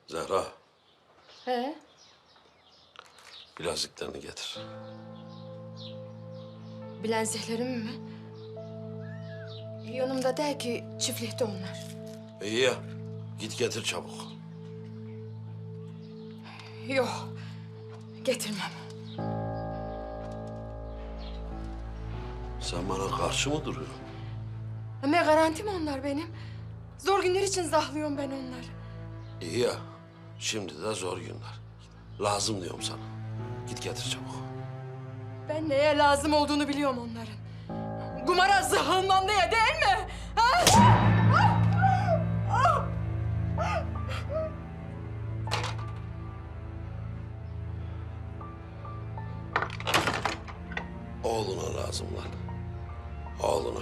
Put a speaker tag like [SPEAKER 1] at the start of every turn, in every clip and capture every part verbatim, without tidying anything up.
[SPEAKER 1] Zehra,
[SPEAKER 2] He?
[SPEAKER 1] bileziklerini getir.
[SPEAKER 2] Bileziklerim mi? Yanımda değil ki, çiftlikte onlar.
[SPEAKER 1] İyi ya, git getir çabuk.
[SPEAKER 2] Yok, getirmem.
[SPEAKER 1] Sen bana karşı mı duruyorsun?
[SPEAKER 2] Ama garantim onlar benim. Zor günler için zahlıyorum ben onları.
[SPEAKER 1] İyi ya, şimdi de zor günler. Lazım diyorum sana. Git getir çabuk.
[SPEAKER 2] Ben neye lazım olduğunu biliyorum onların. Kumara zahılmam diye değil mi? Ha?
[SPEAKER 1] Oğluna lazım lan. Oğluna.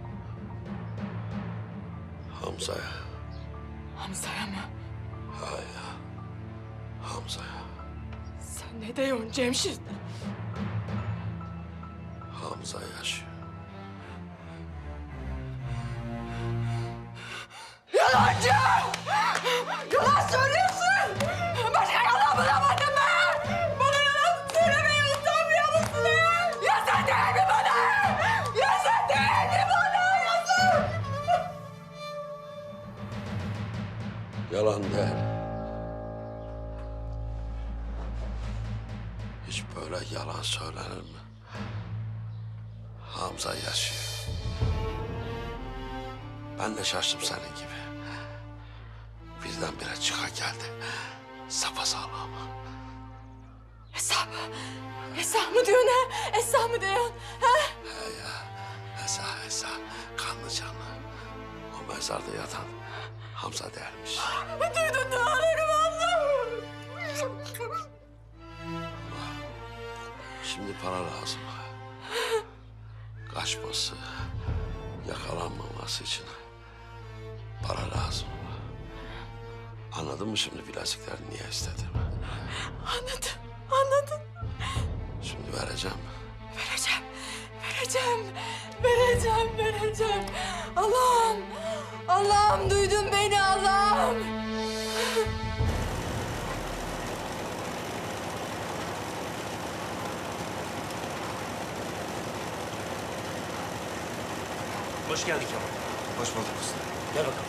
[SPEAKER 1] Hamza'ya.
[SPEAKER 2] Hamza'ya mı?
[SPEAKER 1] Ha ya. Hamza'ya.
[SPEAKER 2] Sen ne diyorsun Cemşit?
[SPEAKER 1] Hamza yaşıyor.
[SPEAKER 2] Yalancı! Yalan söylüyorsun! Başka yalan bulamadın mı? Bana yalan söylemeye utanmıyor musun ya? Ya sen değil mi bana? Ya sen değil mi bana? Ya sen!
[SPEAKER 1] Yalan değil. Hiç böyle yalan söylenir mi? Hamza yaşıyor. Ben de şaştım senin gibi. Birdenbire çıka geldi. Sapasağlam.
[SPEAKER 2] Esra mı? Esra mı diyorsun ha? Esra mı diyorsun? Ha?
[SPEAKER 1] He ya. Esa Esa. Kanlı canlı. O mezarda yatan Hamza dermiş.
[SPEAKER 2] Duydun ne haberim Allah'ım?
[SPEAKER 1] Şimdi para lazım. Kaçması, yakalanmaması için para lazım. Anladın mı şimdi bilezikleri niye istedim?
[SPEAKER 2] Anladım, anladım.
[SPEAKER 1] Şimdi vereceğim.
[SPEAKER 2] Vereceğim, vereceğim, vereceğim, vereceğim. Allah'ım, Allah'ım duydun beni Allah'ım.
[SPEAKER 3] Hoş geldin Kemal.
[SPEAKER 4] Hoş bulduk usta.
[SPEAKER 3] Gel bakalım.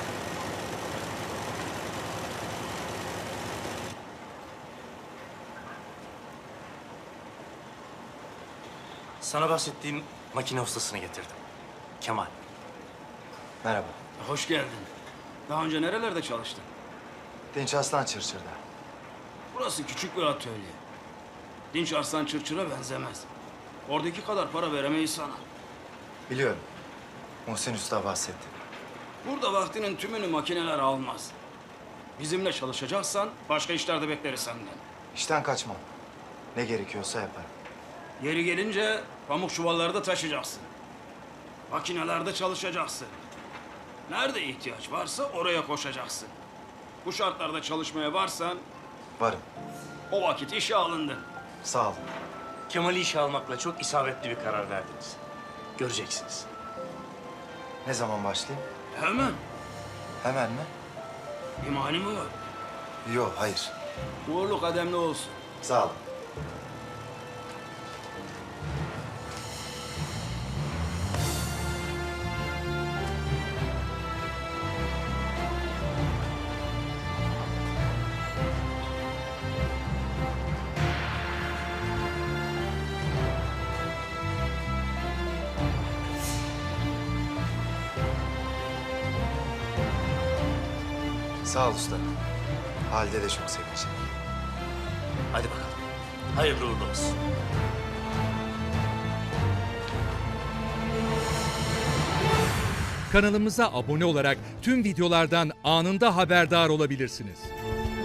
[SPEAKER 3] Sana bahsettiğim makine ustasını getirdim. Kemal.
[SPEAKER 4] Merhaba.
[SPEAKER 5] Hoş geldin. Daha önce nerelerde çalıştın?
[SPEAKER 4] Dinç Aslan Çırçır'da.
[SPEAKER 5] Burası küçük bir atölye. Dinç Arslan Çırçır'a benzemez. Oradaki kadar para veremeyiz sana.
[SPEAKER 4] Biliyorum. Muhsin Usta bahsetti.
[SPEAKER 5] Burada vaktinin tümünü makineler almaz. Bizimle çalışacaksan başka işlerde bekleriz senden.
[SPEAKER 4] İşten kaçmam. Ne gerekiyorsa yaparım.
[SPEAKER 5] Yeri gelince pamuk çuvalları da taşıyacaksın. Makinelerde çalışacaksın. Nerede ihtiyaç varsa oraya koşacaksın. Bu şartlarda çalışmaya varsan
[SPEAKER 4] Varım.
[SPEAKER 5] o vakit işe alındın.
[SPEAKER 4] Sağ olun.
[SPEAKER 3] Kemal'i işe almakla çok isabetli bir karar verdiniz. Göreceksiniz.
[SPEAKER 4] Ne zaman başlayayım?
[SPEAKER 5] Hemen.
[SPEAKER 4] Hemen mi?
[SPEAKER 5] Bir mani mi var?
[SPEAKER 4] Yok, hayır.
[SPEAKER 5] Uğurlu kademli olsun.
[SPEAKER 4] Sağ olun. Sağ ol usta. Halide de çok sevinecek.
[SPEAKER 3] Hadi bakalım. Hayırlı uğurlu olsun.
[SPEAKER 6] Kanalımıza abone olarak tüm videolardan anında haberdar olabilirsiniz.